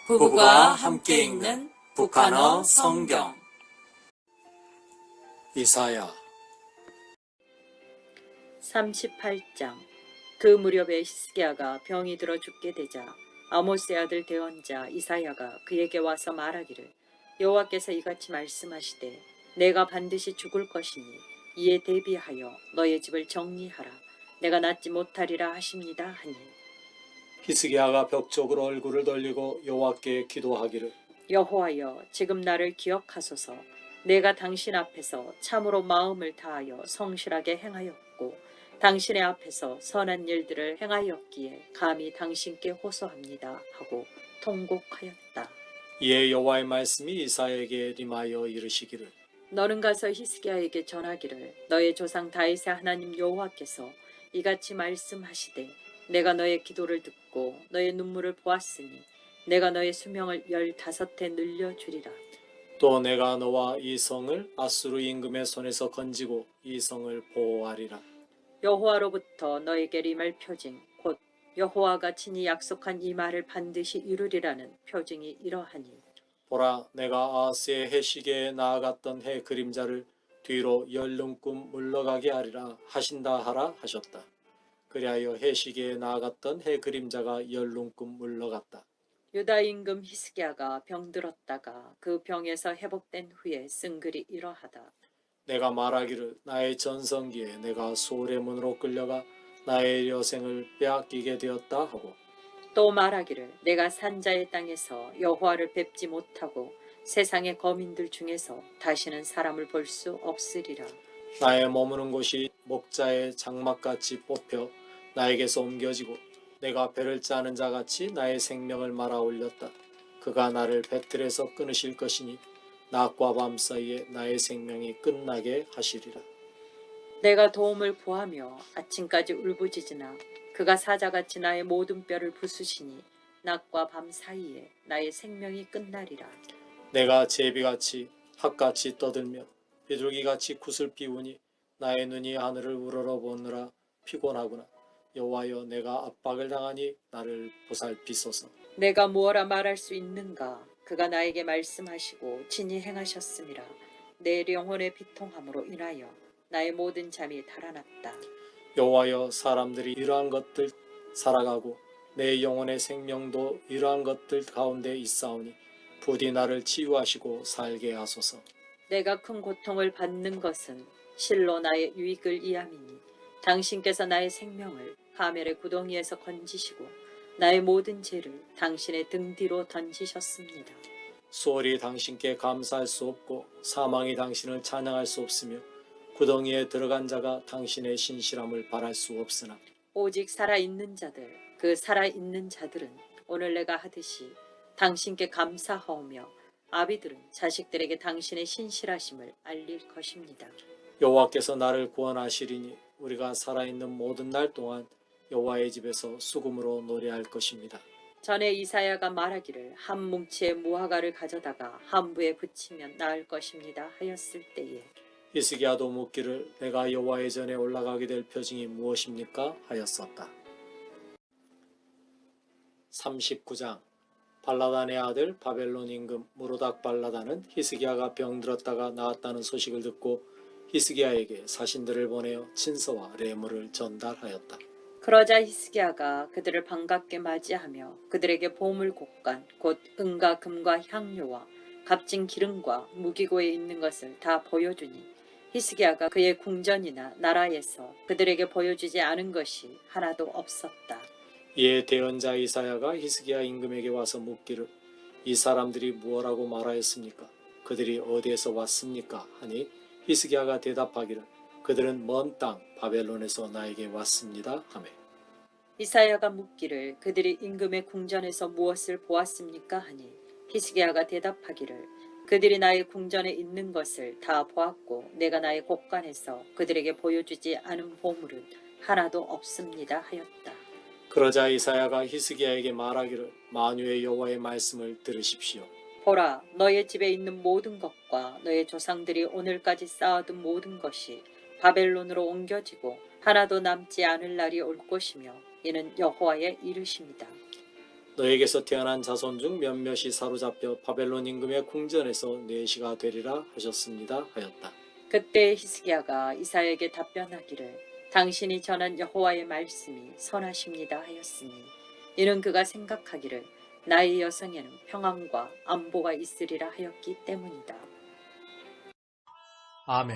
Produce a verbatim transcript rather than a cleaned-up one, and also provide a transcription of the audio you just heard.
부부가 함께 읽는 북한어 성경. 이사야 삼십팔 장. 그 무렵에 히스기야가 병이 들어 죽게 되자 아모스의 아들 대언자 이사야가 그에게 와서 말하기를, 여호와께서 이같이 말씀하시되 내가 반드시 죽을 것이니 이에 대비하여 너의 집을 정리하라. 내가 낫지 못하리라 하십니다 하니, 히스기야가 벽 쪽으로 얼굴을 돌리고 여호와께 기도하기를, 여호와여, 지금 나를 기억하소서. 내가 당신 앞에서 참으로 마음을 다하여 성실하게 행하였고 당신의 앞에서 선한 일들을 행하였기에 감히 당신께 호소합니다 하고 통곡하였다. 이에 여호와의 말씀이 이사야에게 임하여 이르시기를, 너는 가서 히스기야에게 전하기를, 너의 조상 다윗의 하나님 여호와께서 이같이 말씀하시되 내가 너의 기도를 듣고 너의 눈물을 보았으니 내가 너의 수명을 열다섯 해 늘려주리라. 또 내가 너와 이 성을 아수르 임금의 손에서 건지고 이 성을 보호하리라. 여호와로부터 너에게 임할 표징, 곧 여호와가 친히 약속한 이 말을 반드시 이루리라는 표징이 이러하니, 보라, 내가 아하스의 해시계에 나아갔던 해 그림자를 뒤로 열릉꿈 물러가게 하리라 하신다 하라 하셨다. 그리하여 해시계에 나아갔던 해 그림자가 열릉꿈 물러갔다. 유다 임금 히스기야가 병들었다가 그 병에서 회복된 후에 쓴 글이 이러하다. 내가 말하기를, 나의 전성기에 내가 소울의 문으로 끌려가 나의 여생을 빼앗기게 되었다 하고, 또 말하기를, 내가 산자의 땅에서 여호와를 뵙지 못하고 세상의 거민들 중에서 다시는 사람을 볼 수 없으리라. 나의 머무는 곳이 목자의 장막같이 뽑혀 나에게서 옮겨지고 내가 배를 짜는 자같이 나의 생명을 말아 올렸다. 그가 나를 배틀에서 끊으실 것이니 낮과 밤 사이에 나의 생명이 끝나게 하시리라. 내가 도움을 구하며 아침까지 울부짖으나 그가 사자같이 나의 모든 뼈를 부수시니 낮과 밤 사이에 나의 생명이 끝나리라. 내가 제비같이 핫같이 떠들며 비둘기같이 굿을 피우니 나의 눈이 하늘을 우러러보느라 피곤하구나. 여호와여, 내가 압박을 당하니 나를 보살피소서. 내가 무엇라 말할 수 있는가? 그가 나에게 말씀하시고 친히 행하셨음이라. 내 영혼의 비통함으로 인하여 나의 모든 잠이 달아났다. 여호와여, 사람들이 이러한 것들 살아가고 내 영혼의 생명도 이러한 것들 가운데 있사오니 부디 나를 치유하시고 살게 하소서. 내가 큰 고통을 받는 것은 실로 나의 유익을 이함이니 당신께서 나의 생명을 하멜의 구덩이에서 건지시고 나의 모든 죄를 당신의 등 뒤로 던지셨습니다. 수월이 당신께 감사할 수 없고 사망이 당신을 찬양할 수 없으며 구덩이에 들어간 자가 당신의 신실함을 바랄 수 없으나, 오직 살아있는 자들, 그 살아있는 자들은 오늘 내가 하듯이 당신께 감사하오며 아비들은 자식들에게 당신의 신실하심을 알릴 것입니다. 여호와께서 나를 구원하시리니 우리가 살아있는 모든 날 동안 여호와의 집에서 수금으로 노래할 것입니다. 전에 이사야가 말하기를, 한 뭉치의 무화과를 가져다가 한부에 붙이면 나을 것입니다 하였을 때에 히스기야도 묻기를, 내가 여호와의 전에 올라가게 될 표징이 무엇입니까 하였었다. 삼십구 장. 발라단의 아들 바벨론 임금 무로닥 발라단은 히스기야가 병들었다가 나았다는 소식을 듣고 히스기야에게 사신들을 보내어 친서와 레물을 전달하였다. 그러자 히스기야가 그들을 반갑게 맞이하며 그들에게 보물 곡간 곧 은과 금과 향료와 값진 기름과 무기고에 있는 것을 다 보여주니 히스기야가 그의 궁전이나 나라에서 그들에게 보여주지 않은 것이 하나도 없었다. 이에 대언자 이사야가 히스기야 임금에게 와서 묻기를, 이 사람들이 무엇라고 말하였습니까? 그들이 어디에서 왔습니까? 하니 히스기야가 대답하기를, 그들은 먼 땅 바벨론에서 나에게 왔습니다 하매, 이사야가 묻기를, 그들이 임금의 궁전에서 무엇을 보았습니까 하니 히스기야가 대답하기를, 그들이 나의 궁전에 있는 것을 다 보았고 내가 나의 곡간에서 그들에게 보여주지 않은 보물은 하나도 없습니다 하였다. 그러자 이사야가 히스기야에게 말하기를, 만유의 여호와의 말씀을 들으십시오. 보라, 너의 집에 있는 모든 것과 너의 조상들이 오늘까지 쌓아둔 모든 것이 바벨론으로 옮겨지고 하나도 남지 않을 날이 올 것이며 이는 여호와의 이르심이다. 너에게서 태어난 자손 중 몇몇이 사로잡혀 바벨론 임금의 궁전에서 뇌시가 되리라 하셨습니다 하였다. 그때 히스기야가 이사야에게 답변하기를 당신이 전한 여호와의 말씀이 선하십니다 하였으니 이는 그가 생각하기를 나의 여성에는 평안과 안보가 있으리라 하였기 때문이다. 아멘.